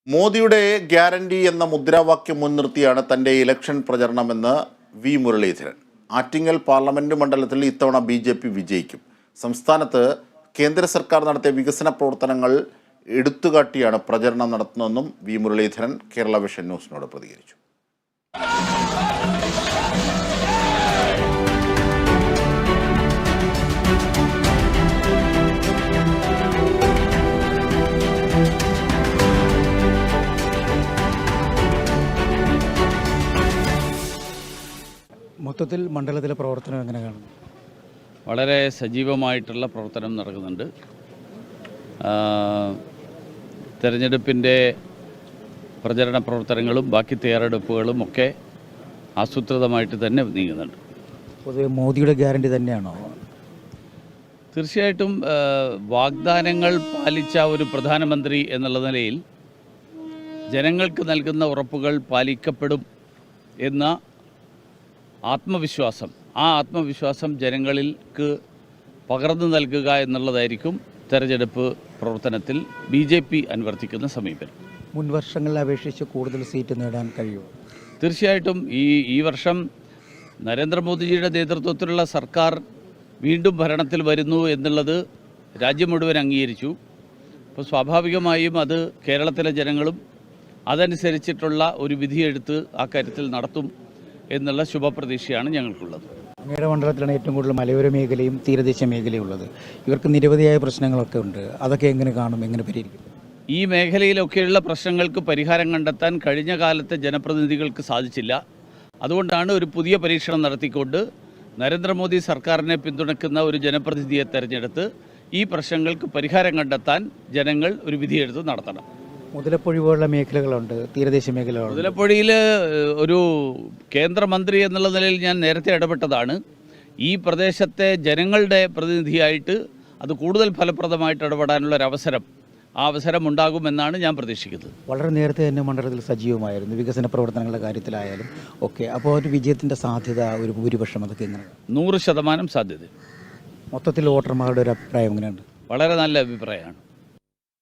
മോദിയുടെ ഗ്യാരണ്ടി എന്ന മുദ്രാവാക്യം മുൻനിർത്തിയാണ് തൻ്റെ ഇലക്ഷൻ പ്രചരണമെന്ന് വി മുരളീധരൻ. ആറ്റിങ്ങൽ പാർലമെന്റ് മണ്ഡലത്തിൽ ഇത്തവണ BJP വിജയിക്കും. സംസ്ഥാനത്ത് കേന്ദ്ര സർക്കാർ നടത്തിയ വികസന പ്രവർത്തനങ്ങൾ എടുത്തുകാട്ടിയാണ് പ്രചരണം നടത്തുന്നതെന്നും വി മുരളീധരൻ കേരള വിഷൻ ന്യൂസിനോട് പ്രതികരിച്ചു. മൊത്തത്തിൽ മണ്ഡലത്തിലെ പ്രവർത്തനം എങ്ങനെ കാണുന്നു? വളരെ സജീവമായിട്ടുള്ള പ്രവർത്തനം നടക്കുന്നുണ്ട്. തെരഞ്ഞെടുപ്പിൻ്റെ പ്രചരണ പ്രവർത്തനങ്ങളും ബാക്കി തയ്യാറെടുപ്പുകളും ഒക്കെ ആസൂത്രിതമായിട്ട് തന്നെ നീങ്ങുന്നുണ്ട്. പൊതുവെ മോദിയുടെ ഗ്യാരണ്ടി തന്നെയാണോ? തീർച്ചയായിട്ടും വാഗ്ദാനങ്ങൾ പാലിച്ച ഒരു പ്രധാനമന്ത്രി എന്നുള്ള നിലയിൽ ജനങ്ങൾക്ക് നൽകുന്ന ഉറപ്പുകൾ പാലിക്കപ്പെടും എന്ന ആത്മവിശ്വാസം, ആ ആത്മവിശ്വാസം ജനങ്ങൾക്ക് പകർന്നു നൽകുക എന്നുള്ളതായിരിക്കും തെരഞ്ഞെടുപ്പ് പ്രവർത്തനത്തിൽ BJP അനുവർത്തിക്കുന്ന സമീപനം. മുൻ വർഷങ്ങളെ അപേക്ഷിച്ച് കൂടുതൽ സീറ്റ് നേടാൻ കഴിയുമോ? തീർച്ചയായിട്ടും ഈ വർഷം നരേന്ദ്രമോദിജിയുടെ നേതൃത്വത്തിലുള്ള സർക്കാർ വീണ്ടും ഭരണത്തിൽ വരുന്നു എന്നുള്ളത് രാജ്യം മുഴുവൻ അംഗീകരിച്ചു. അപ്പോൾ സ്വാഭാവികമായും അത് കേരളത്തിലെ ജനങ്ങളും അതനുസരിച്ചിട്ടുള്ള ഒരു വിധിയെടുത്ത് ആ കാര്യത്തിൽ നടത്തും എന്നുള്ള ശുഭപ്രതീക്ഷയാണ് ഞങ്ങൾക്കുള്ളത്. അങ്ങയുടെ മണ്ഡലത്തിലാണ് ഏറ്റവും കൂടുതൽ മലയോര മേഖലയും തീരദേശ മേഖലയും ഉള്ളത്. ഇവർക്ക് നിരവധിയായ പ്രശ്നങ്ങളൊക്കെ ഉണ്ട്. അതൊക്കെ എങ്ങനെ കാണും, എങ്ങനെ പരിഹരിക്കും? ഈ മേഖലയിലൊക്കെയുള്ള പ്രശ്നങ്ങൾക്ക് പരിഹാരം കണ്ടെത്താൻ കഴിഞ്ഞ കാലത്തെ ജനപ്രതിനിധികൾക്ക് സാധിച്ചില്ല. അതുകൊണ്ടാണ് ഒരു പുതിയ പരീക്ഷണം നടത്തിക്കൊണ്ട് നരേന്ദ്രമോദി സർക്കാരിനെ പിന്തുണയ്ക്കുന്ന ഒരു ജനപ്രതിനിധിയെ തെരഞ്ഞെടുത്ത് ഈ പ്രശ്നങ്ങൾക്ക് പരിഹാരം കണ്ടെത്താൻ ജനങ്ങൾ ഒരു വിധിയെടുത്ത് നടത്തണം. മുതലപ്പൊഴി പോലുള്ള മേഖലകളുണ്ട്, തീരദേശ മേഖലകളുണ്ട്. മുതലപ്പൊഴിയിൽ ഒരു കേന്ദ്രമന്ത്രി എന്നുള്ള നിലയിൽ ഞാൻ നേരത്തെ ഇടപെട്ടതാണ്. ഈ പ്രദേശത്തെ ജനങ്ങളുടെ പ്രതിനിധിയായിട്ട് അത് കൂടുതൽ ഫലപ്രദമായിട്ട് ഇടപെടാനുള്ള ഒരു അവസരം ഉണ്ടാകുമെന്നാണ് ഞാൻ പ്രതീക്ഷിക്കുന്നത്. വളരെ നേരത്തെ തന്നെ മണ്ഡലത്തിൽ സജീവമായിരുന്നു, വികസന പ്രവർത്തനങ്ങളുടെ കാര്യത്തിലായാലും ഒക്കെ. അപ്പോൾ ഒരു വിജയത്തിൻ്റെ സാധ്യത, ഒരു ഭൂരിപക്ഷം, അതൊക്കെ എങ്ങനെയാണ്? 100% സാധ്യത. മൊത്തത്തിൽ വോട്ടർമാരുടെ ഒരു അഭിപ്രായം എങ്ങനെയുണ്ട്? വളരെ നല്ല അഭിപ്രായമാണ്.